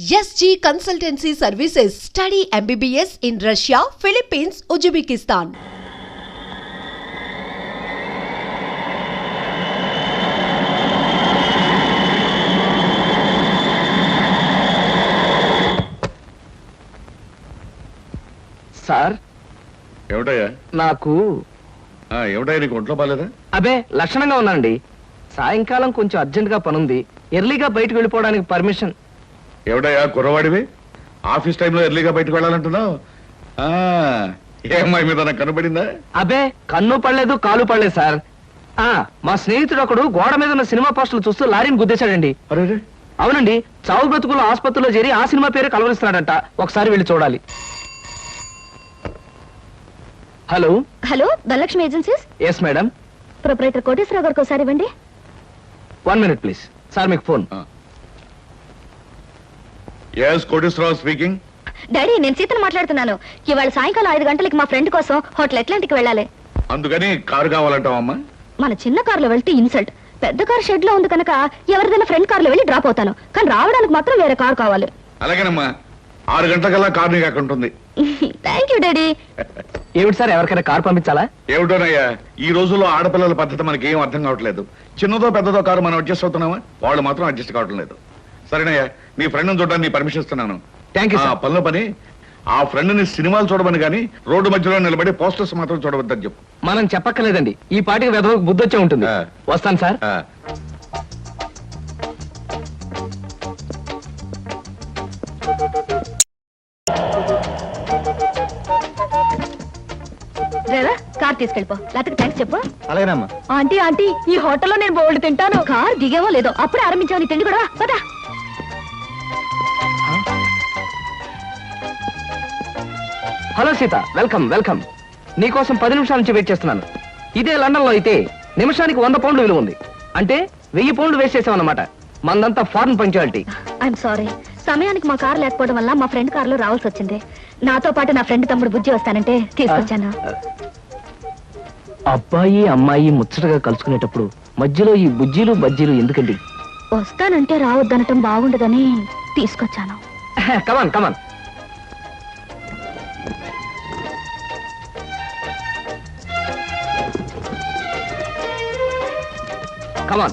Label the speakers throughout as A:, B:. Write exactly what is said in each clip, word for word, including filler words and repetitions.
A: S G Consultancy Services. Study M B B S in Russia, Philippines, Uzbekistan.
B: Sir
C: ఏమిటయ్యా?
B: నాకు
C: ఏమిటయ్యా, నీకు ఒంట్లో బాలేదా?
B: అబే లక్షణంగా ఉన్నానండి. సాయంకాలం కొంచెం అర్జెంట్ గా పనుంది, ఎర్లీగా బయటకు వెళ్ళిపోవడానికి పర్మిషన్.
C: ఏమిటయ్యా కుర్రవాడివి, ఆఫీస్ టైంలో ఎర్లీగా బయటకు వెళ్ళాలంటున్నావు? ఏమ్మాయి మీద నాకు కనబడిందా?
B: అబే కన్ను పడలేదు, కాలు పడలేదు సార్. ఆ మా స్నేహితుడు ఒకడు గోడ మీద ఉన్న సినిమా పోస్టులు చూస్తూ లారీని గుద్దేశాడండి.
C: అరే
B: అవునండి, చావు బ్రతుకులు ఆసుపత్రిలో చేరి ఆ సినిమా పేరు కలవరిస్తున్నాడంట. ఒకసారి వెళ్ళి చూడాలి. Hello
D: hello Dhanalakshmi agencies.
B: Yes madam.
D: Proprietor Koteswararao గారికి ఒకసారి ఇవ్వండి.
B: One minute please. సార్ మీకు phone.
C: yes Koteswararao speaking.
D: Daddy నేను సీతను మాట్లాడుతున్నాను. ఇవాళ సాయంకాలం ఐదు గంటలకి మా ఫ్రెండ్ కోసం హోటల్ అట్లాంటిక్ వెళ్ళాలి.
C: అందుకని కారు కావాలంటావమ్మా?
D: మన చిన్న కారులో వెళ్తే ఇన్సల్ట్, పెద్ద కారు షెడ్ లో ఉంది కనుక ఎవరిదైనా ఫ్రెండ్ కారులో వెళ్ళి డ్రాప్ అవుతాను, కానీ రావడానికి మాత్రం వేరే కారు కావాలి.
C: అలాగేనమ్మా, ఆరు గంటలకల్లా కారు నీకు అక్కడ ఉంటుంది.
D: Thank you daddy.
B: ఏమిటి సార్, ఎవరికైనా కారు పంపించాలా?
C: ఏమిటోనయ్యా, ఈ రోజుల్లో ఆడపిల్లల పద్ధతి మనకి ఏం అర్థం కావట్లేదు. చిన్నదో పెద్దదో కారు మనం అడ్జస్ట్ అవుతున్నామా, వాళ్ళు మాత్రం అడ్జస్ట్ కావటం లేదు. సరేనయ్యా, నీ ఫ్రెండ్ చూడడానికి నీ పర్మిషన్ ఇస్తున్నాను.
B: Thank you.
C: పనిలో పని ఆ ఫ్రెండ్ ని సినిమాలు చూడమని కానీ రోడ్డు మధ్యలో నిలబడి పోస్టర్స్ మాత్రం చూడవద్దని చెప్పు.
B: మనం చెప్పక్కర్లేదండి, ఈ పాటికి వెదవకు బుద్ధి వచ్చే ఉంటుంది. వస్తాను సార్.
D: డ్రైవర్ కార్ తీసుకెళ్ళిపో, లేకపోతే థ్యాంక్స్ చెప్పు.
B: అలాగేనమ్మా.
D: ఆంటీ ఆంటీ ఈ హోటల్లో నేను బోల్డ్ తింటాను. కార్ దిగేమో లేదో అప్పుడే ఆరంభించావు నీ తిండి కూడా. పదా.
B: Hello Sita, welcome welcome. నీకోసం పది నిమిషాల నుంచి వెయిట్ చేస్తున్నాను. ఇదే లండన్ లో అయితే నిమిషానికి వంద పౌండ్లు విలువ ఉంది, అంటే వెయ్యి పౌండ్లు వేస్ట్ చేసామన్నమాట. మందంతా ఫారెన్ పంక్చువాలిటీ.
D: ఐఎమ్ సారీ, సమయానికి మా కారు లేకపోవడం వల్ల మా ఫ్రెండ్ కారులో రావాల్సి వచ్చింది. నాతో పాటు నా ఫ్రెండ్ తమ్ముడు బుజ్జి వస్తానంటే తీసుకొచ్చాను.
B: అబ్బాయి అమ్మాయి ముచ్చటగా కలుసుకునేటప్పుడు మధ్యలో ఈ బుజ్జీలు బజ్జీలు ఎందుకండి?
D: వస్తానంటే రావద్దనటం బాగుండదని తీసుకొచ్చాను.
B: కమాన్ కమాన్. కమాన్.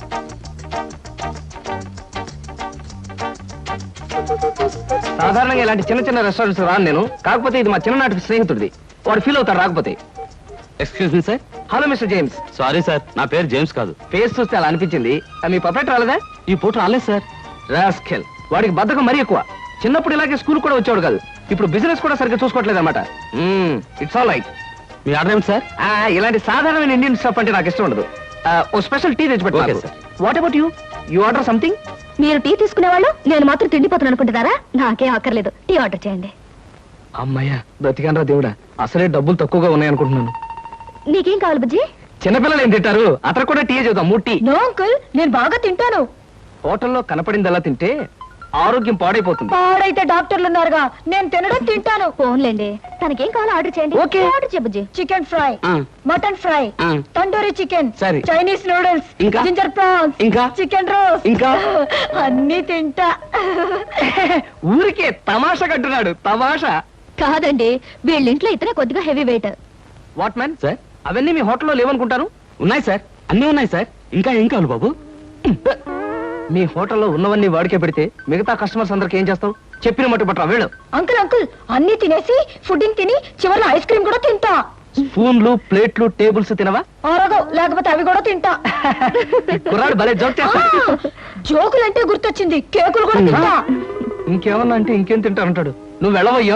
B: సాధారణంగా ఇలాంటి చిన్న చిన్న రెస్టారెంట్స్ రాను నేను, కాకపోతే ఇది మా చిన్ననాటి స్నేహితుడిది. వాడు ఫీల్ అవుతాడు రాకపోతే. Excuse me sir. Hello mister James.
E: Sorry sir, నా పేరు జేమ్స్ కాదు.
B: ఫేస్ చూస్తే అలా అనిపించింది. మీ పర్ఫెక్ట్ రాలేదా?
E: ఈ పూట రాలేదు సార్.
B: రాస్కెల్, వాడికి బద్ధకం మరీ ఎక్కువ. చిన్నప్పుడు ఇలాగే స్కూల్ కూడా వచ్చేవాడు కాదు, ఇప్పుడు బిజినెస్ కూడా సరిగ్గా చూసుకోవట్లేదు అనమాట. It's all right.
E: మీ ఆర్డర్ ఏమిటి సార్?
B: ఇలాంటి సాధారణమైన ఇండియన్ స్టఫ్ అంటే నాకు ఇష్టం ఉండదు. ఓ స్పెషల్ టీ తెచ్చి
E: Okay,
B: పెట్టు.
E: sir.
B: What about you? You order something?
D: మీరు టీ తీసుకునేవాళ్ళు, నేను మాత్రం తిండిపోతాను అనుకుంటున్నారా? నాకేం అక్కర్లేదు, టీ ఆర్డర్ చేయండి.
B: అమ్మయ్యా, బ్రతికానరా దేవుడా. అసలే డబ్బులు తక్కువగా ఉన్నాయనుకుంటున్నాను.
D: నీకేం కావాలి బుజ్జి?
B: చిన్నపిల్లలు ఏం తింటారు, అతను కూడా టీ చూద్దాం. మూడు టీ.
D: నో అంకుల్, నేను బాగా తింటాను.
B: హోటల్లో కనపడింది అలా తింటే ఆరోగ్యం పాడైపోతుంది.
D: పాడైతే డాక్టర్లు ఉన్నారుగా, నేను తినడం తింటాను. ఫోన్లేండి, తనకేం కావాలో ఆర్డర్ చేయండి.
B: ఓకే.
D: ఆర్డర్ చేయ బుజ్జి. చికెన్ ఫ్రై,
B: ఆ.
D: మటన్ ఫ్రై,
B: ఆ.
D: తండూరి చికెన్,
B: సరే.
D: చైనీస్ నూడిల్స్,
B: ఇంకా?
D: జింజర్ ప్రాన్స్,
B: ఇంకా?
D: చికెన్ రోస్ట్,
B: ఇంకా?
D: అన్ని తింటా.
B: ఊరికే తమాషా కట్టున్నాడు. తమాషా
D: కాదండి, వీళ్ళింట్లో ఇతనే కొద్దిగా heavy weight.
B: What man sir, అవన్నీ మీ హోటల్లో లేవనుకుంటాను.
E: ఉన్నాయి సార్, అన్నీ ఉన్నాయి సార్. ఇంకా ఏం కావాలి బాబు?
B: మీ హోటల్లో ఉన్నవన్నీ వాడికే పెడితే మిగతా కస్టమర్స్ అందరికి ఏం చేస్తావు? చెప్పిన మట్టు పట్టరా వీళ్ళు.
D: అంకుల్ అంకుల్, అన్ని తినేసి ఫుడ్డింగ్ తిని చివరిలో ఐస్ క్రీమ్ కూడా తింటా.
B: స్పూన్లు ప్లేట్లు టేబుల్స్ తినవా?
D: ఆరగో, లేకపోతే అవి కూడా తింటా.
B: కుర్రాడు భలే జోక్ చేస్తాడు.
D: జోకులంటే గుర్తొచ్చింది, కేకులు కూడా తింటా.
B: ఇంకేమన్నా అంటే ఇంకేం తింటానంటాడు. నువ్వు వెళ్ళవయ్యో.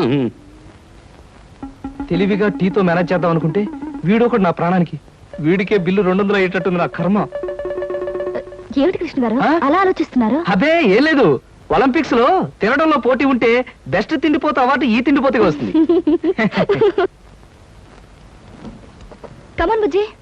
B: తెలివిగా టీతో మేనేజ్ చేద్దాం అనుకుంటే వీడు ఒకటి నా ప్రాణానికి. వీడికే బిల్లు రెండు వందలు అయ్యేటట్టుంది నా కర్మ.
D: ఏమిటి కృష్ణ గారు
B: ఆ?
D: అలా ఆలోచిస్తున్నారు?
B: అబే ఏం లేదు, ఒలింపిక్స్ లో తినడంలో పోటీ ఉంటే బెస్ట్ తిండిపోతే అవార్డు ఈ తిండిపోతే వస్తుంది.
D: కమన్ బుజ్జి.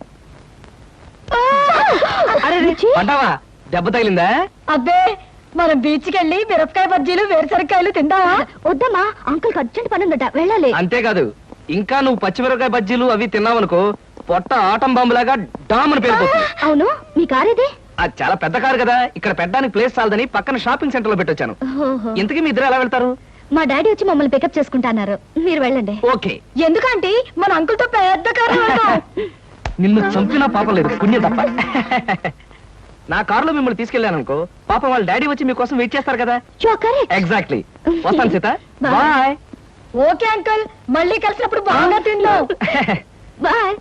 B: అరే పంటావా, దెబ్బ తగిలిందా?
D: అబ్బే, మనం బీచ్ కి వెళ్ళి మిరపకాయ బజ్జీలు వేరుసరికాయలు తిందామా? వద్దమ్మా, అంకుల్ అర్జెంట్ పని ఉందట, వెళ్ళాలి.
B: అంతేకాదు, ఇంకా నువ్వు పచ్చిమిరపకాయ బజ్జీలు అవి తిన్నావనుకో పొట్ట ఆటం బాంబులాగా డామ్ అని పేరుపోతుంది.
D: అవును, మీ కారు ఇది?
B: అది చాలా పెద్ద కారు కదా, ఇక్కడ పెట్టడానికి ప్లేస్ చాలదని పక్కన షాపింగ్ సెంటర్ లో పెట్టొచ్చాను.
D: ఓహో.
B: ఇంతకీ మీ ఇద్దరు ఎలా వెళ్తారు?
D: మా డాడీ వచ్చి మమ్మల్ని పికప్ చేసుకుంటున్నారు, మీరు వెళ్ళండి.
B: ఓకే.
D: ఎందుకంటే మన అంకుల్ తో పెద్ద కారు
B: నిన్ను చంపినా పాపం లేదు, పుణ్యం తప్ప. నా కారులో మిమ్మల్ని తీసుకెళ్ళాను అనుకో, పాపం వాళ్ళ డాడీ వచ్చి మీకోసం వెయిట్ చేస్తారు కదా. ఎగ్జాక్ట్లీ. వస్తాను Sita.
D: Bye.
B: Bye.
D: Okay uncle, మళ్ళీ కలిసినప్పుడు బాగా తిందాం. బాయ్.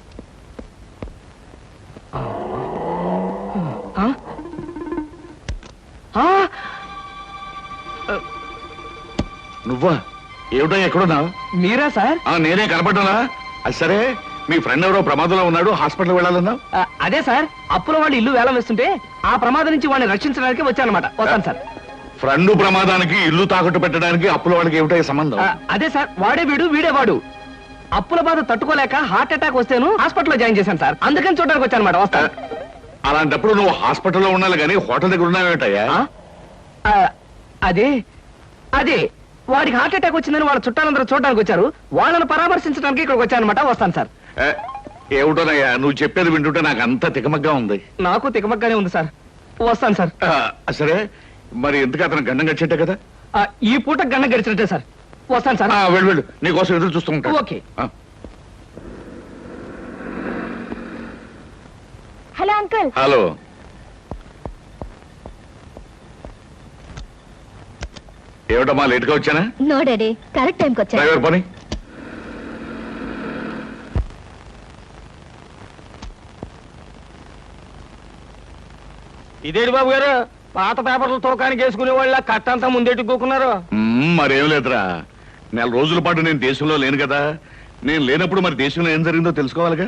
C: నువ్వా? ఏమిటో ఎక్కడున్నావు?
B: మీరా సార్?
C: ఆ, నేనే కనపడ్డానా? అది సరే, మీ ఫ్రెండ్ ఎవరో ప్రమాదంలో ఉన్నాడు, హాస్పిటల్ వెళ్ళాలన్నావు.
B: ఆ, అదే సార్, అప్పుల వాళ్ళు ఇల్లు వేలం వేస్తుంటే ఆ ప్రమాదం నుంచి వాడిని రక్షించడానికి వచ్చానమాట. వస్తాను సార్.
C: ఫ్రెండ్ ప్రమాదానికి ఇల్లు తాకట్టు పెట్టడానికి అప్పుల వాళ్ళకి ఏమిటో సంబంధం?
B: ఆ, అదే సార్, వాడే వీడు వీడే వాడు. అప్పుల బాధ తట్టుకోలేక హార్ట్ అటాక్ వస్తేను హాస్పిటల్లో జాయిన్ చేశాను సార్, అందుకని చూడడానికి వచ్చానమాట. వస్తాను.
C: అలాంటప్పుడు నువ్వు హాస్పిటల్లో ఉండాలి కానీ హోటల్ దగ్గర ఉన్నావేటయ్యా?
B: ఆ, అదే అదే వాడికి హార్ట్ అటాక్ వచ్చిందని వాళ్ళ చుట్టాలందరూ చూడడానికి వచ్చారు, వాళ్ళని పరామర్శించడానికి ఇక్కడికి వచ్చానమాట. వస్తాను సార్.
C: ఏ, ఏమిటోనయ్యా నువ్వు చెప్పేది వింటుంటే నాకు అంత తికమగ్గా ఉంది.
B: నాకు తికమగ్గానే ఉంది సార్. వస్తాను సార్.
C: ఆ, సరే, మరి ఎందుకు అతను గండం గడిచేట్టే కదా?
B: ఆ, ఈ పూట గంట గడిచినట్టే సార్. వస్తాను సార్.
C: ఆ, వెళ్ళు వెళ్ళు, నీకోసం ఎదురు చూస్తూ ఉంటాను.
B: ఓకే.
C: ఆ.
D: Hello uncle.
C: హలో. ఏమిటమ్మా లేట్గా వచ్చానా?
D: నో డాడీ, కరెక్ట్ టైంకి వచ్చా.
C: డ్రైవర్ పని.
B: ఇదేంటి బాబు గారు, పాత పేపర్లు తోకానికి వేసుకునే వాళ్ళ కట్టంతా ముందేటి కూకున్నారు.
C: మ్మ్, మరేం లేదురా, నెల రోజుల పాటు నేను దేశంలో లేను కదా, నేను లేనప్పుడు మరి దేశంలో ఏం జరిగిందో తెలుసుకోవాలిగా.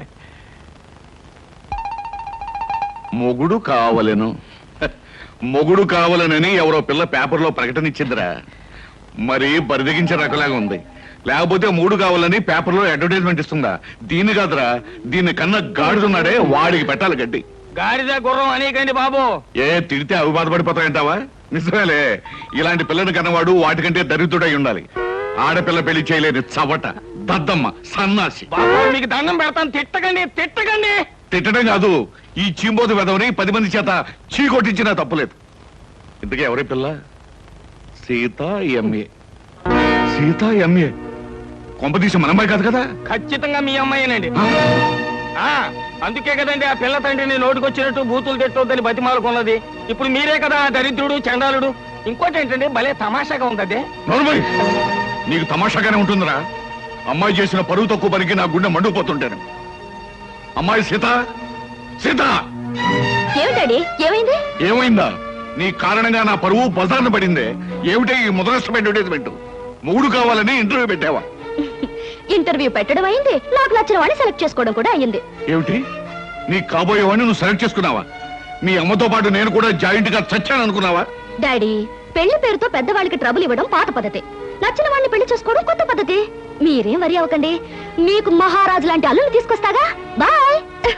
C: మొగుడు కావలెను మొగుడు కావాలనని ఎవరో పిల్ల పేపర్లో ప్రకటన ఇచ్చిందిరా, మరి బరిదగించే రకలాగా ఉంది. లేకపోతే మూడు కావాలని పేపర్లో అడ్వర్టైజ్మెంట్ ఇస్తుందా? దీన్ని కాదురా, దీన్ని కన్నా గాడిదున్నాడే వాడికి పెట్టాలి గడ్డి.
B: గాడిద గుర్రం అనేకండి బాబు.
C: ఏ తిడితే అవి బాధపడిపోతాయంటావా? నిజమేలే, ఇలాంటి పిల్లని కన్నవాడు వాటికంటే దరిద్రుడై ఉండాలి. ఆడపిల్ల పెళ్లి చేయలేని చవట, దద్దమ్మ, సన్నాసి.
B: మీకు దండం పెడతాను, తిట్టకండి తిట్టకండి.
C: తిట్టడం కాదు, ఈ చీంబోతు వెదవని పది మంది చేత చీ కొట్టించినా తప్పులేదు. ఇంతకీ ఎవరి పిల్ల? సీత ఎంఏ. సీత ఎంఏ కొంపదీసి మనమ్మాయి కాదు కదా?
B: ఖచ్చితంగా మీ అమ్మాయినండి. అందుకే కదండి ఆ పిల్ల తండ్రిని నోటుకొచ్చినట్టు బూతులు తిట్టొద్దని బతిమాలకున్నది. ఇప్పుడు మీరే కదా దరిద్రుడు చండాలుడు. ఇంకోటి ఏంటంటే భలే తమాషాగా ఉంది.
C: నోర్మై, నీకు తమాషాగానే ఉంటుందిరా. అమ్మాయి చేసిన పరువు తక్కువ పనికి నా గుండె మండుకుపోతుంటాను. అమ్మాయి సీత, సీత
D: ఏమిటండి, ఏమైంది?
C: ఏమైందా? నీ కారణంగా నా పరువు బజార్న పడిందే. ఏమిటే ఈ ముదరష్టం అడ్వర్టైజ్మెంట్? మూడు కావాలని ఇంటర్వ్యూ పెట్టావా?
D: ఇంటర్వ్యూ పెట్టడం అయింది, నాకు నచ్చిన వాడిని సెలెక్ట్ చేసుకోవడం కూడా అయింది.
C: ఏమిటి, నీ కాబోయేవాడిని నువ్వు సెలెక్ట్ చేసుకున్నావా? మీ అమ్మతో పాటు నేను కూడా జాయింట్ గా చచ్చాను అనుకున్నావా?
D: డాడీ, పెళ్లి పేరుతో పెద్దవాళ్ళకి ట్రబుల్ ఇవ్వడం పాత పద్ధతి, నచ్చిన వాడిని పెళ్లి చేసుకోవడం కొత్త పద్ధతి. మీరేం వరి అవ్వకండి, మీకు మహారాజు లాంటి అల్లుని తీసుకొస్తాగా. బాయ్.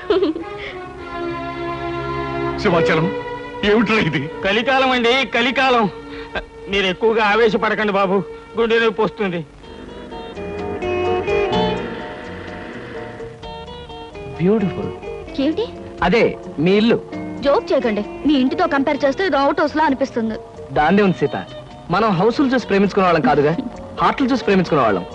C: సింహాచలం, ఏమిట్రా ఇది?
B: కలికాలం అండి, కలికాలం. మీరు ఎక్కువగా ఆవేశపడకండి బాబు, గుండె నొప్పి వస్తుంది. బ్యూటిఫుల్.
D: ఏమిటి?
B: అదే మీ ఇల్లు.
D: జోక్ చేయకండి, మీ ఇంటితో కంపేర్ చేస్తే ఇది అవుట్ హౌస్ లా అనిపిస్తుంది.
B: దాన్నే ఉంది సీత, మనం హౌసులు చూసి ప్రేమించుకునే వాళ్ళం కాదుగా, హార్ట్లు చూసి ప్రేమించుకునే వాళ్ళం.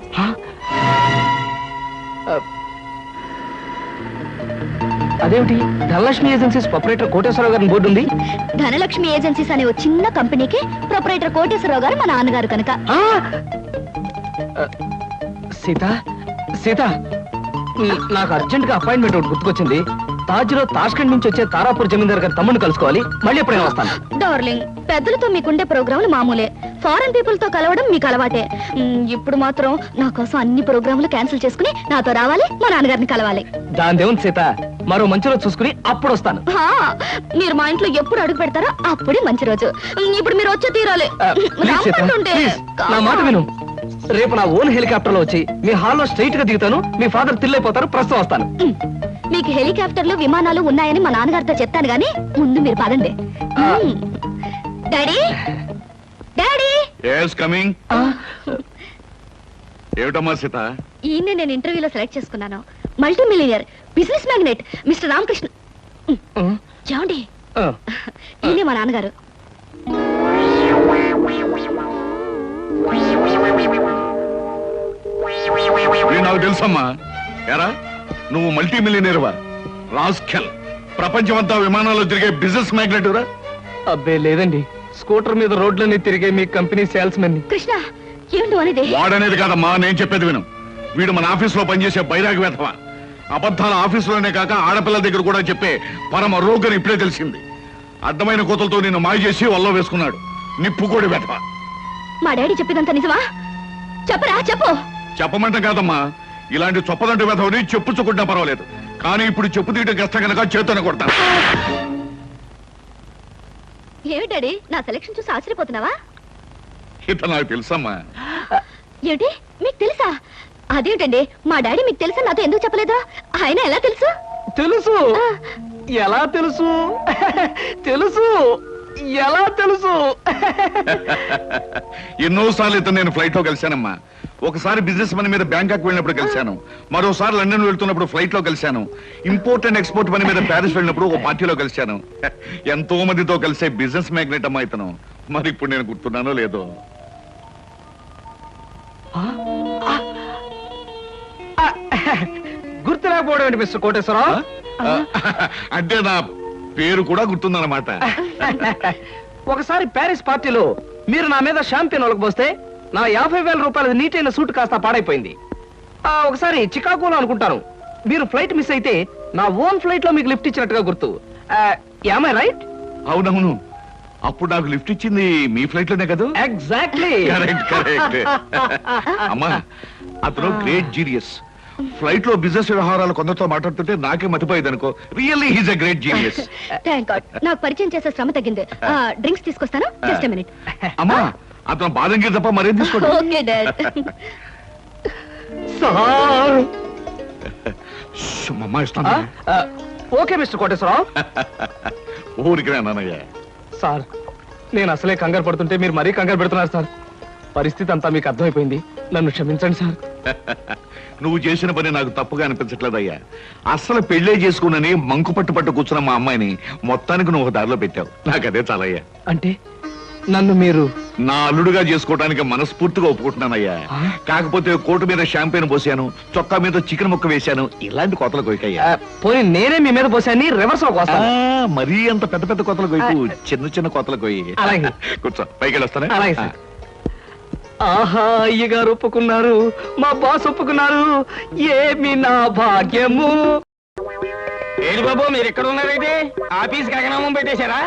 B: అదేమిటి, ధనలక్ష్మి ఏజెన్సీస్ ప్రొపరేటర్ కోటేశ్వరరావు గారి బోర్డు ఉంది.
D: ధనలక్ష్మి ఏజెన్సీస్ అనే ఒక చిన్న కంపెనీకి ప్రొపరేటర్ కోటేశ్వరరావు గారు మా నాన్నగారు కనుక.
B: ఆ! ఆ, సీత సీత న- నాకు అర్జెంట్ గా అపాయింట్మెంట్ ఒకటి గుర్తుకొచ్చింది. తాజ్ లో తాష్కండ్ నుంచి వచ్చే తారాపూర్ జమీందార్ గారి తమ్ముడిని కలుసుకోవాలి. మళ్ళీ ఎప్పుడైనా వస్తాను.
D: డార్లింగ్, పెద్దలతో మీకుండే ప్రోగ్రాములు మామూలే, ఫారెన్ పీపుల్ తో కలవడం మీకు అలవాటే. మ్, ఇప్పుడు మాత్రం నా కోసం అన్ని ప్రోగ్రాములు క్యాన్సిల్ చేసుకుని నాతో రావాలి, మా నాన్నగారిని కలవాలి.
B: దాని దేవుని సీత, మరో మంచి రోజు చూసుకుని అప్పుడు వస్తాను.
D: హా, మీరు మా ఇంట్లో ఎప్పుడు అడుగు పెడతారో అప్పుడే మంచి రోజు. మ్, ఇప్పుడు మీరు వచ్చే తీరాలి.
B: ఆ, ప్లీజ్ సీత,
D: రమ్మంటుంటే.
B: ప్లీజ్, నా మాట విను. రేపు నా ఓన్ హెలికాప్టర్ లో వచ్చి మీ హాల్లో స్ట్రైట్ గా దిగుతాను. మీ ఫాదర్ తిల్లైపోతారు. ప్రస్తుతం వస్తాను.
D: మ్, మీకు హెలికాప్టర్లు విమానాలు ఉన్నాయని మా నాన్నగారితో చెప్తాను గానీ ముందు మీరు పదండి. మ్. Daddy, daddy,
C: yes coming. ఏమిటమ్మా సీత?
D: ఈయన్ని నేను ఇంటర్వ్యూలో సెలెక్ట్ చేసుకున్నాను. Multi millionaire, business magnate mister Ramakrishna. చూడండి
B: ఆ,
D: ఈయనే మా నాన్నగారు.
C: ఇది నాకు తెలుసమ్మా. ఎరా నువ్వు మల్టీ మిలియనీర్వా? రాస్కెల్, ప్రపంచమంతా విమానాల్లో తిరిగే బిజినెస్ మ్యాగ్నెట్.
B: అబ్బే లేదండి, స్కూటర్ మీద రోడ్లన్నీ తిరిగే మీ కంపెనీ సేల్స్ మెన్.
D: కృష్ణ ఏమిటి అనేది?
C: వాడనేది కాదమ్మా, నేను చెప్పేది విను. వీడు మన ఆఫీసులో పనిచేసే బైరాగి వేధవా. అబద్ధాల ఆఫీసులోనే కాక ఆడపిల్ల దగ్గర కూడా చెప్పే పరమ రోగని ఇప్పుడే తెలిసింది. అడ్డమైన కోతలతో నిన్ను మాయ చేసి వల్ల వేసుకున్నాడు. నిప్పుకోడి వేధవా.
D: మా డాడీ చెప్పేదంతా నిజమా? చెప్పరా చెప్పు.
C: చెప్పమంటే కాదమ్మా, ఇలాంటి చొప్పదంటి వేధవని చెప్పుచ్చుకుంటా పర్వాలేదు, కానీ ఇప్పుడు చెప్పు తీయటం కష్టం కనుక చేతోనే కొడతాను.
D: ఏమిటి డాడీ నా సెలక్షన్ చూసి ఆశ్చర్యపోతున్నావా?
C: ఇత నాకు తెలుసమ్మా.
D: ఏమిటి మీకు తెలుసా? అదేమిటండి మా డాడీ మీకు తెలుసా నాతో ఎందుకు చెప్పలేదు? ఆయన ఎలా తెలుసు?
B: తెలుసు. ఎలా తెలుసు? తెలుసు. ఎలా తెలుసు?
C: ఎన్నోసార్లు ఇతను నేను ఫ్లైట్ లో కలిశానమ్మా. ఒకసారి బిజినెస్ పని మీద బ్యాంకాక్ వెళ్ళినప్పుడు కలిశాను, మరోసారి లండన్ వెళ్తున్నప్పుడు ఫ్లైట్ లో కలిశాను, ఇంపోర్ట్ అండ్ ఎక్స్పోర్ట్ పని మీద ప్యారిస్ వెళ్ళినప్పుడు ఒక పార్టీలో కలిశాను. ఎంతో మందితో కలిసే బిజినెస్ మ్యాగ్నెట్ అమ్మా ఇతను. మరి ఇప్పుడు నేను గుర్తున్నానో లేదో.
B: గుర్తు లేకపోవడం ఏంటి మిస్టర్ కోటేశ్వరరావు?
C: అంటే నా పేరు కూడా గుర్తుందన్నమాట.
B: ఒకసారి ప్యారిస్ పార్టీలో మీరు నా మీద షాంపియన్ ఒలకపోస్తే నా యాభై వేల రూపాయల నీటైన సూట్ కాస్త పాడైపోయింది. ఆ, ఒకసారి చికాగోలో అనుకుంటాను మీరు ఫ్లైట్ మిస్ అయితే నా ఓన్ ఫ్లైట్ లో మీకు లిఫ్ట్ ఇచ్చినట్టుగా గుర్తు. Am I right?
C: అవునవును, అప్పుడు నాకు లిఫ్ట్ ఇచ్చింది మీ ఫ్లైట్ లోనే కదా.
B: ఎగ్జాక్ట్లీ.
C: Correct correct. అమ్మా అతను గ్రేట్ జీనియస్. ఫ్లైట్ లో బిజినెస్ వ్యవహారాలు కొందరితో మాట్లాడుతుంటే నాకే మతిపోయేది అనుకో. Really he's a great genius.
D: Thank god నాకు పరిచయం చేసే శ్రమ తగ్గింది. డ్రింక్స్ తీసుకొస్తాను, జస్ట్ ఎ మినిట్.
C: అమ్మా అతను బాదం గీర్ తప్ప మరేం తీసుకోండి.
D: Okay dad.
B: సార్.
C: అమ్మా ఇస్తాను.
B: Okay mister Koteswararao.
C: ఊరికి నాన్నయ్య.
B: సార్ నేను అసలే కంగారు పడుతుంటే మీరు మరీ కంగారు పెడుతున్నారు సార్. పరిస్థితి అంతా మీకు అర్థమైపోయింది, నన్ను క్షమించండి సార్.
C: నువ్వు చేసిన పని నాకు తప్పుగా అనిపించట్లేదయ్యా. అస్సలు పెళ్లే చేసుకున్నని మంకు పట్టు పట్టు కూర్చున్న మా అమ్మాయిని మొత్తానికి నువ్వు దారిలో పెట్టావు. నాకు అదే చాలయ్యా.
B: అంటే నన్ను మీరు
C: నా అల్లుడుగా చేసుకోవడానికి మనస్ఫూర్తిగా ఒప్పుకుంటున్నానయ్యా. కాకపోతే కోటు మీద షాంపెయిన్ పోసాను, చొక్కా మీద చికెన్ ముక్క వేశాను, ఇలాంటి కోతలు కొయ్యకయ్యా.
B: ఆ, పోనీ నేనే మీ మీద పోసాన్ని రివర్స్ లో కోస్తాను.
C: మరీ అంత పెద్ద పెద్ద కోతలు కొయ్యకు, చిన్న చిన్న కోతలు కొయ్యి.
B: అలాగే.
C: కూర్చో, పైకి వెళ్ళొస్తానే.
B: అలాగే సార్. ఆహా అయ్యగారు ఒప్పుకున్నారు, మా బాస్ ఒప్పుకున్నారు, ఏమి నా భాగ్యము.
E: ఏంటి బాబు మీరు ఎక్కడ ఉన్నారైతే ఆఫీస్ గగనామం పెట్టేశారా?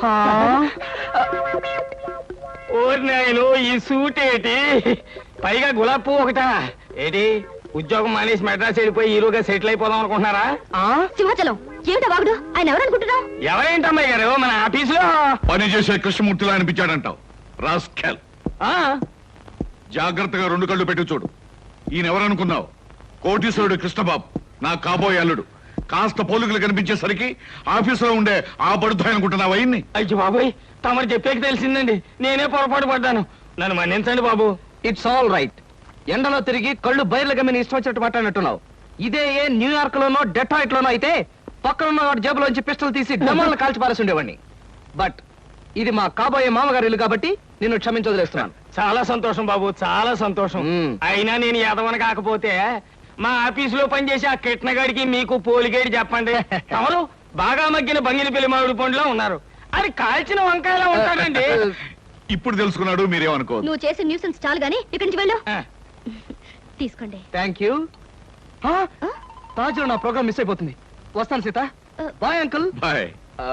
E: ఓరి నాయను ఈ సూట్ ఏంటి, పైగా గులాబ్ పువ్వు ఒకటా ఏంటి? ఉద్యోగం మానేసి మెడ్రాస్ వెళ్ళిపోయి హీరోగా సెటిల్ అయిపోదాం అనుకుంటున్నారా?
D: సింహాచలం ఏమిటా వాగుడు? ఆయన ఎవరనుకుంటున్నావు?
E: ఎవరేంటమ్మాయి గారు మన ఆఫీసులో
C: పని చేసే కృష్ణమూర్తిలా అనిపించాడంటావు. రాస్కెల్,
E: ఆ,
C: జాగ్రత్తగా రెండు కళ్ళు పెట్టి చూడు. ఈయన ఎవరనుకున్నావు? కోటీశ్వరుడు కృష్ణబాబు, నా కాబోయే అల్లుడు. కాస్త పోలికలు కనిపించేసరికి ఆఫీసులో ఉండే ఆ బడుతాయి అనుకుంటున్నావు. అయ్యింది.
E: అయ్యో బాబోయ్, తమరు చెప్పేకి తెలిసిందండి, నేనే పొరపాటు పడ్డాను, నన్ను మన్నించండి బాబు.
B: It's all right. ఎండలో తిరిగి కళ్ళు బయర్లు గమ్మిని ఇష్టం వచ్చినట్టు మాట్లాడినట్టున్నావు. ఇదే ఏ న్యూయార్క్ లోనో డెట్రాయిట్ లోనో అయితే పక్కన వాడి జేబులోంచి పిస్టల్ తీసి డమాలను కాల్చి పారేసి ఉండేవాడిని. బట్ ఇది మా కాబోయే మామగారి ఇల్లు కాబట్టి నిన్ను క్షమించదలేస్తున్నాను.
E: చాలా సంతోషం బాబు, చాలా సంతోషం.
B: మ్మ్.
E: అయినా నేను ఎదవన కాకపోతే మా ఆఫీసులో పనిచేసే ఆ కిట్నగాడికి మీకు పోలిగేడి చెప్పండి. తమరు బాగా మగ్గిన బంగిన పెళ్లి మామిడి పండులో ఉన్నారు, అది కాల్చిన వంకాయలా ఉంటాడండి.
C: ఇప్పుడు తెలుసుకున్నాడు, మీరేమనుకోవద్దు.
D: నువ్వు చేసే న్యూసెన్స్ చాలు గానీ ఇక్కడి నుంచి వెళ్ళు.
E: ఆ,
D: తీసుకోండి.
B: Thank you. తాజులో నా ప్రోగ్రామ్ మిస్ అయిపోతుంది. వస్తాను సీత. Bye uncle.
C: బాయ్.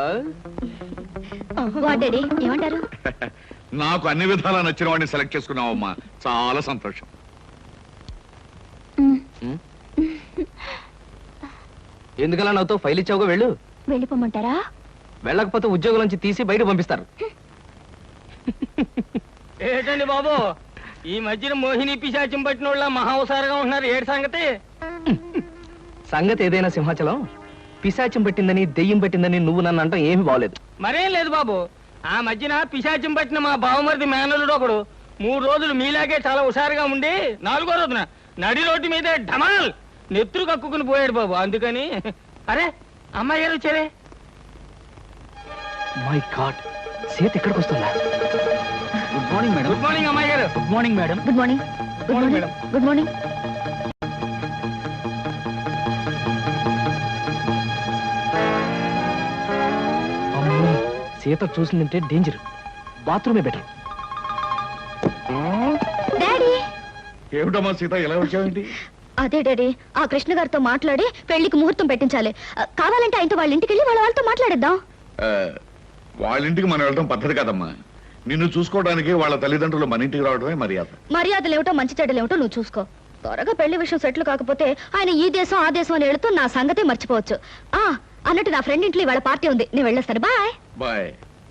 D: వాడేడి ఏమంటారు?
C: నాకు అన్ని విధాలా నచ్చిన వాడిని సెలెక్ట్ చేసుకున్నావమ్మా, చాలా సంతోషం.
B: ఎందుకలా నాతో ఫైల్ ఇచ్చావుగా, వెళ్ళు.
D: వెళ్ళిపోమంటారా?
B: వెళ్ళకపోతే ఉద్యోగం నుంచి తీసి బయట పంపిస్తారు.
E: ఏంటండి బాబు ఈ మధ్యన మోహిని పిశాచం పట్టిన వాళ్ళ మహావసారంగా ఉంటున్నారు, ఏడు సంగతి?
B: సంగతి ఏదైనా సింహాచలం, పిశాచం పట్టిందని దెయ్యం పట్టిందని నువ్వు నన్ను అంటాం ఏమీ బాగలేదు.
E: మరేం లేదు బాబు, ఆ మధ్యన పిశాచం పట్టిన మా బావమరిది మేనలుడు ఒకడు మూడు రోజులు మీలాగే చాలా హుషారుగా ఉండి నాలుగో రోజున నడి రోడ్డు మీదే ఢమాల్ నెత్తురు కక్కుకుని పోయాడు బాబు. అందుకని అరే అమ్మాయి గారు వచ్చారే.
B: మై గాడ్, సీత ఎక్కడికి వస్తుందా? Good morning madam.
E: Good morning అమ్మాయి గారు.
B: Good morning madam.
D: Good morning good
E: morning,
D: morning good morning
B: అమ్మో, సీత చూసిందంటే డేంజర్. బాత్రూమే బెటర్.
D: డాడీ.
C: ఏమిటమ్మా సీత ఎలా వచ్చావేంటి?
D: అదే డాడీ, ఆ కృష్ణ గారితో మాట్లాడి పెళ్లికి ముహూర్తం పెట్టించాలి. ఆ, కావాలంటే ఆయనతో వాళ్ళ ఇంటికి వెళ్ళి వాళ్ళ వాళ్ళతో మాట్లాడేద్దాం.
C: ఆ, వాళ్ళ ఇంటికి మనం వెళ్ళడం పద్ధతి కాదమ్మా. నిన్ను చూసుకోవడానికి వాళ్ళ తల్లిదండ్రులు మన ఇంటికి రావడమే మర్యాద.
D: మర్యాదలు ఏమిటో మంచి చెడ్డలు ఏమిటో నువ్వు చూసుకో. త్వరగా పెళ్లి విషయం సెటిల్ కాకపోతే ఆయన ఈ దేశం ఆ దేశం అని వెళుతూ నా సంగతే మర్చిపోవచ్చు. ఆ అన్నట్టు నా ఫ్రెండ్ ఇంట్లో వాళ్ళ పార్టీ ఉంది, నేను వెళ్ళేస్తాను. బాయ్.
C: బాయ్.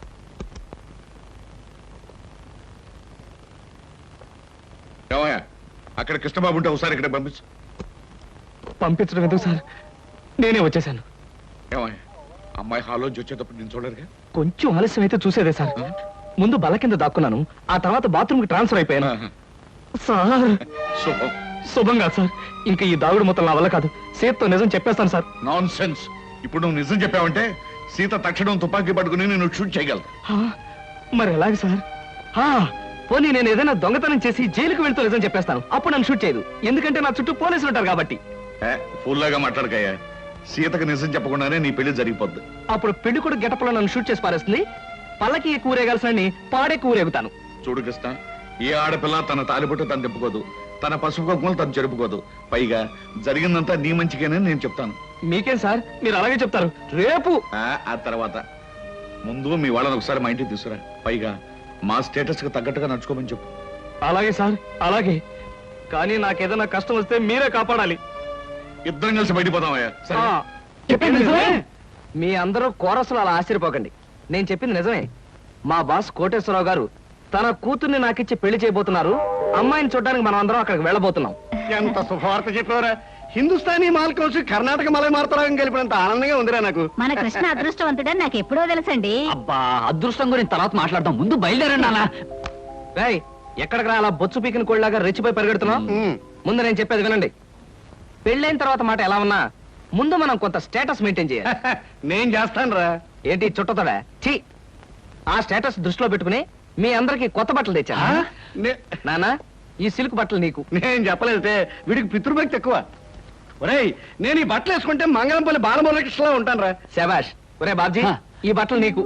C: ఏమయ్యా, అక్కడ కృష్ణబాబు ఉంటే ఒకసారి ఇక్కడ పంపించు.
B: పంపించడం ఎందుకు సార్, నేనే వచ్చేసాను.
C: ఏమయ్యా, అమ్మాయి హాల్లోంచి వచ్చేటప్పుడు నేను చూడరుగా?
B: కొంచెం ఆలస్యం అయితే చూసేదే సార్. ముందు బల్ల కింద దాక్కున్నాను, ఆ తర్వాత బాత్రూమ్ కి ట్రాన్స్ఫర్ అయిపోయాను.
C: ఆహా.
B: సార్
C: శుభం.
B: శుభం కాదు సార్, ఇంకా ఈ దాగుడు మొత్తం నా వల్ల కాదు. సీతతో నిజం చెప్పేస్తాను సార్.
C: Non sense. ఇప్పుడు నువ్వు నిజం చెప్పావంటే సీత తక్షణం తుపాకీ పట్టుకుని నేను షూట్ చేయగలను.
B: హా, మరి ఎలాగ సార్? హా, పోనీ నేను ఏదైనా దొంగతనం చేసి జైలుకు వెళ్తూ నిజం చెప్పేస్తాను, అప్పుడు నన్ను షూట్ చేయదు. ఎందుకంటే నా చుట్టూ పోలీసులు ఉంటారు కాబట్టి.
C: ఏ, ఫుల్లాగా మాట్లాడకయ్యా. సీతకు నిజం చెప్పకుండానే నీ పెళ్లి జరిగిపోద్ది.
B: అప్పుడు పెళ్లి కూడా గెటప్లో నన్ను షూట్ చేసి పారేస్తుంది. పల్లకి కూరేగాల్సిన పాడే కూరేగుతాను.
C: చూడు కృష్ణ, ఏ ఆడపిల్ల తన తాలిబొట్టు తను తిప్పుకోదు, తన పసుపు కుంకుమలు తను జరుపుకోదు. పైగా జరిగిందంతా నీ మంచిగానే నేను చెప్తాను.
B: మీకేం సార్, మీరు అలాగే చెప్తారు. రేపు
C: ఆ ఆ తర్వాత ముందు మీ వాళ్ళని ఒకసారి మా ఇంటికి తీసుకురా. పైగా మా స్టేటస్ కి తగ్గట్టుగా నడుచుకోమని చెప్పు.
B: అలాగే సార్, అలాగే. కానీ నాకేదైనా కష్టం వస్తే మీరే కాపాడాలి.
C: ఇద్దరం కలిసి బయటపోదామయ్యా. సరే?
B: ఆ, చెప్పింది నిజమే. మీ అందరూ కోరసులు అలా ఆశ్చర్యపోకండి, నేను చెప్పింది నిజమే. మా బాస్ కోటేశ్వరరావు గారు తన కూతుర్ని నాకిచ్చి పెళ్లి చేయబోతున్నారు. అమ్మాయిని చూడడానికి మనం అందరం అక్కడికి వెళ్ళబోతున్నాం.
E: ఎంత శుభవార్త చెప్పారా! హిందుస్థానీ మాల్ కలిసి కర్ణాటక మలై మార్తరాగం కలిపినంత ఆనందంగా ఉందిరా నాకు.
D: మన కృష్ణ అదృష్టవంతుడని నాకు ఎప్పుడో తెలుసండి.
B: అబ్బా, అదృష్టం గురించి తర్వాత మాట్లాడదాం, ముందు బయలుదేరండి అలా. రేయ్, ఎక్కడికి రా అలా బొచ్చు పీకిన కోళ్ళలాగా రెచ్చిపోయి పరిగెడుతున్నాం?
E: ఉమ్.
B: ముందు నేను చెప్పేది వినండి. పెళ్ళైన తర్వాత మాట ఎలా ఉన్నా ముందు మనం కొంత స్టేటస్ మెయింటైన్ చేయాలి.
E: నేను చేస్తాను రా.
B: ఏంటి చుట్టతోడా? ఛీ, ఆ స్టేటస్ దృష్టిలో పెట్టుకుని మీ అందరికి కొత్త బట్టలు తెచ్చా. నానా, ఈ సిల్క్ బట్టలు నీకు.
E: నేను చెప్పలేదే, వీడికి పితృభక్తి ఎక్కువ. ఒరేయ్, నేను ఈ బట్టలు వేసుకుంటే మంగళంపల్లి బాలమురకృష్ణలా ఉంటాను రా.
B: శబాష్. ఒరే బాబ్జీ, ఈ బట్టలు నీకు.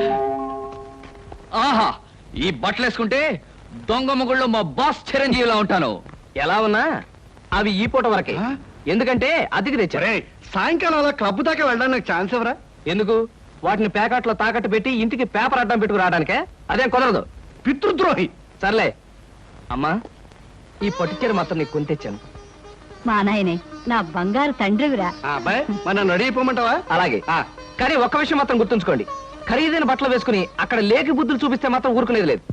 B: ఆహా, ఈ బట్టలు వేసుకుంటే దొంగ మొగుళ్ళు మా బాస్ చిరంజీవిలా ఉంటాను. ఎలా ఉన్నా అవి ఈ పూట వరకే, ఎందుకంటే అతికి తెచ్చా.
E: ఒరేయ్, సాయంకాలం అలా క్లబ్ దాకా వెళ్ళడానికి నాకు ఛాన్స్ ఎవరా?
B: ఎందుకు? వాటిని ప్యాకెట్లో తాకట్టు పెట్టి ఇంటికి పేపర్ అడ్డం పెట్టుకు రావడానికే? అదేం కుదరదు.
E: పితృద్రోహి.
B: సర్లే అమ్మా, ఈ పట్టుచీర మాత్రం నీకు కొని తెచ్చాను.
D: మా నాయనే, నా బంగారు తండ్రివిరా.
E: ఆ అబ్బాయి, మరి నన్ను రెడీ అయిపోమంటావా?
B: అలాగే. కానీ ఒక్క విషయం మాత్రం గుర్తుంచుకోండి, ఖరీదైన బట్టలు వేసుకుని అక్కడ లేకి బుద్ధులు చూపిస్తే మాత్రం ఊరుకునేది లేదు.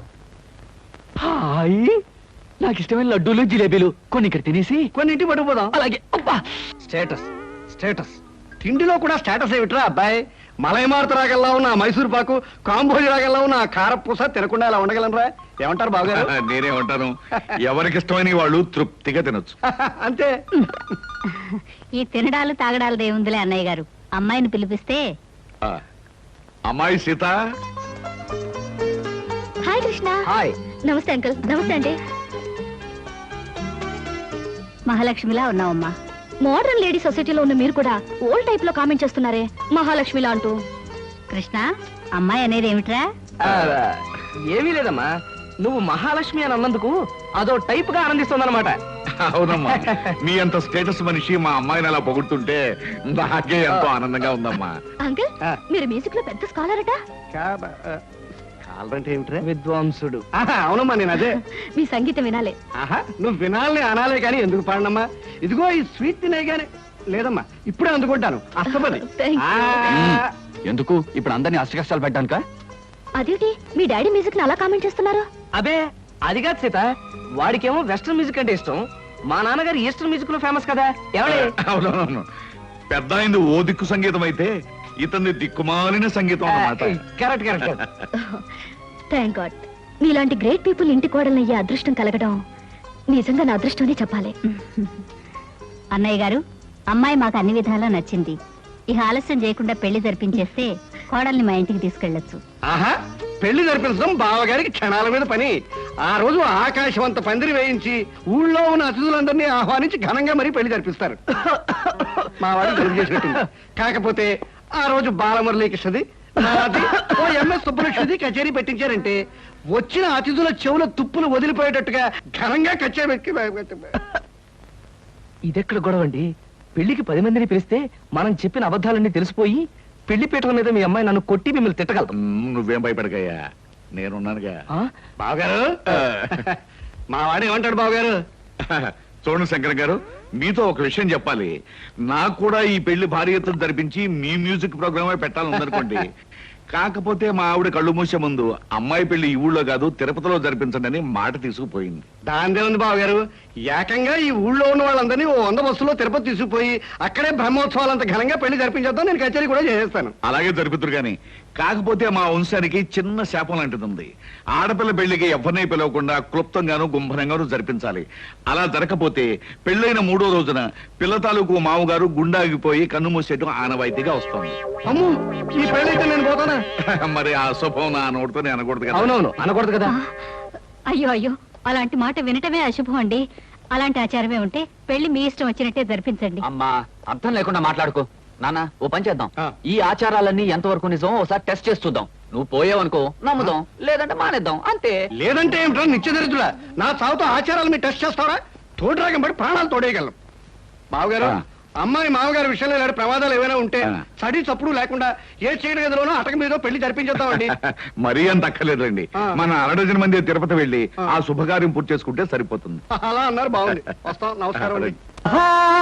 B: హాయ్, నాకు ఇష్టమైన లడ్డూలు జిలేబీలు కొన్ని ఇక్కడ తినేసి
E: కొన్ని ఇంటికి పట్టుకుపోదాం.
B: అలాగే. అబ్బా, స్టేటస్ స్టేటస్.
E: తిండిలో కూడా స్టేటస్ ఏమిట్రా అబ్బాయి? మలై మారుత రాగల్లా ఉన్న ఆ మైసూర్ పాకు, కాంబోజి రాగల్లా ఉన్న ఆ కారపూస తినకుండా అలా ఉండగలనరా? ఏమంటారు బావగారు?
C: నేనే ఉంటాను. ఎవరికి ఇష్టమైన వాళ్ళు తృప్తిగా తినొచ్చు.
E: అంతే.
D: ఈ తినడాలు తాగడాలు దేవుందిలే అన్నయ్య గారు. అమ్మాయిని పిలిపిస్తే.
C: ఆ, అమ్మాయి Sita.
D: Hi Krishna.
B: Hi.
D: Namaste uncle. Namaste అండి. మహాలక్ష్మిలా ఉన్నావమ్మా. మోడర్న్ లేడీ సొసైటీలో ఉన్న మీరు కూడా ఓల్డ్ టైప్ లో కామెంట్ చేస్తున్నారే మహాలక్ష్మిలా అంటూ. కృష్ణ, అమ్మాయి అనేది ఏమిట్రా?
B: ఆ, ఏమీ లేదమ్మా, నువ్వు మహాలక్ష్మి అని అన్నందుకు అదో టైప్ గా ఆనందిస్తుందన్నమాట.
C: అవునమ్మా, మీ అంత స్టేటస్ మనిషి మా అమ్మాయిని అలా పొగుడుతుంటే నాకే ఎంతో ఆనందంగా ఉందమ్మా.
D: అంకుల్, మీరు మ్యూజిక్ లో పెద్ద స్కాలర్ అట.
E: కావాలంటే ఏమిట్రా?
B: విద్వాంసుడు.
E: ఆహా, అవునమ్మా, నేను అదే.
D: మీ సంగీతం వినాలే.
E: ఆహా, నువ్వు వినాలని అనాలే కానీ ఎందుకు పాడనమ్మా? ఇదిగో ఈ స్వీట్ తినే గానీ లేదమ్మా, ఇప్పుడే అందుకుంటాను. అస్తపది.
D: Thank you.
E: ఆ,
B: ఎందుకు ఇప్పుడు అందరినీ అష్ట కష్టాలు పెట్టడానిక?
D: అదేంటి మీ డాడీ మ్యూజిక్ ని అలా కామెంట్ చేస్తున్నారు?
B: అబే, అది కాదు సీత, వాడికేమో వెస్ట్రన్ మ్యూజిక్ అంటే ఇష్టం. మా నాన్నగారు ఈస్టర్న్ మ్యూజిక్ లో ఫేమస్ కదా. ఎవడే?
C: అవునవును, పెద్ద అయింది ఓ దిక్కు సంగీతం అయితే ఇతని దిక్కుమాలిన సంగీతం అన్నమాట.
B: Correct correct.
D: థ్యాంక్ గాడ్, మీలాంటి గ్రేట్ పీపుల్ ఇంటి కోడలయ్యే అదృష్టం కలగడం నిజంగా నా అదృష్టమనే చెప్పాలి. అన్నయ్య గారు, అమ్మాయి మాకు అన్ని విధాలా నచ్చింది. ఇక ఆలస్యం చేయకుండా పెళ్లి జరిపించేస్తే
F: కోడల్ని మా ఇంటికి తీసుకెళ్ళొచ్చు.
G: ఆహా, పెళ్లి జరిపించడం బావగారికి క్షణాల మీద పని. ఆ రోజు ఆకాశం అంత పందిరి వేయించి ఊళ్ళో ఉన్న అతిథులందరినీ ఆహ్వానించి ఘనంగా మరీ పెళ్లి జరిపిస్తారు. మా వాడు జరుపు చేసినట్టుంది. కాకపోతే ఆ రోజు బాలమురళీకృష్ణది, నాది, ఓ ఎంఎస్ సుబ్బలక్ష్మిది కచేరీ పెట్టించారంటే వచ్చిన అతిథుల చెవుల తుప్పులు వదిలిపోయేటట్టుగా ఘనంగా కచేరీ పెట్టి
B: ఇదెక్కడ గొడవ అండి? పెళ్లికి పది మందిని పిలిస్తే మనం చెప్పిన అబద్ధాలన్నీ తెలిసిపోయి పెళ్లి పీటల మీద మీ అమ్మాయి నన్ను కొట్టి మిమ్మల్ని తిట్టగలదు.
C: మ్, నువ్వేం భయపడకయ్యా, నేనున్నానుగా.
G: బావగారు, మా వాడు ఏమంటాడు బావగారు?
C: చూడండి శంకర్ గారు, మీతో ఒక విషయం చెప్పాలి. నాకు కూడా ఈ పెళ్లి భారీ ఎత్తున జరిపించి మీ మ్యూజిక్ ప్రోగ్రామే పెట్టాలని ఉందనుకోండి. కాకపోతే మా ఆవిడ కళ్ళు మూసే ముందు అమ్మాయి పెళ్లి ఈ ఊళ్ళో కాదు తిరుపతిలో జరిపించండి అని మాట తీసుకుపోయింది.
G: దాందే ఉంది బావగారు, ఏకంగా ఈ ఊళ్ళో ఉన్న వాళ్ళందరినీ ఓ వంద బస్సులో తిరుపతి తీసుకుపోయి అక్కడే బ్రహ్మోత్సవాలంత ఘనంగా పెళ్లి జరిపించేద్దాం, నేను కచేరీ కూడా చేసేస్తాను.
C: అలాగే జరుపుతురు గాని, కాకపోతే మా వంశానికి చిన్న శాపం లాంటిది ఉంది. ఆడపిల్ల పెళ్లికి ఎవరిని పిలవకుండా క్లుప్తంగాను గుంభనంగాను జరిపించాలి. అలా జరగకపోతే పెళ్ళైన మూడో రోజున పిల్ల తాలూకు మామగారు గుండాగిపోయి కన్ను మూసేయడం ఆనవాయితీగా వస్తుంది.
G: అమ్ము, ఈ పెళ్ళైతే నేను పోతానా?
C: మరి ఆ శుభం నా నోటితో నేను అనకూడదు కదా.
B: అవునవును, అనకూడదు కదా.
F: అయ్యో అయ్యో, అలాంటి మాట వినటమే అశుభం అండి. అలాంటి ఆచారమే ఉంటే పెళ్లి మీ ఇష్టం వచ్చినట్టే జరిపించండి.
H: అమ్మా, అర్థం లేకుండా మాట్లాడుకో. నాన్న, ఓ పని చేద్దాం.
G: ఆ.
H: ఈ ఆచారాలన్నీ ఎంతవరకు నిజం ఒకసారి టెస్ట్ చేసి చూద్దాం. నువ్వు పోయావనుకో నమ్ముదాం, లేదంటే మానేద్దాం, అంతే.
G: లేదంటే ఏమిటో నిత్యదరిద్రులా నా చావుతో ఆచారాలు మీరు టెస్ట్ చేస్తారా? తోడురాగం పడి ప్రాణాలు తోడేయగలం. బావగారు,
C: ఆ.
G: అమ్మాయి మామగారి విషయంలో ఇలాంటి ప్రమాదాలు ఏమైనా ఉంటే
C: ఆ.
G: చడి చప్పుడు లేకుండా ఏ చీకటి గదిలోనో అటక మీద పెళ్లి జరిపించేద్దామండి.
C: మరీ అంత అక్కర్లేదండి.
G: ఆ.
C: మన అరడజన మంది తిరుపతి వెళ్ళి
G: ఆ.
C: ఆ శుభకార్యం పూర్తి చేసుకుంటే సరిపోతుంది.
G: అలా అన్నారు, బాగుంది. వస్తాం, నమస్కారం అండి.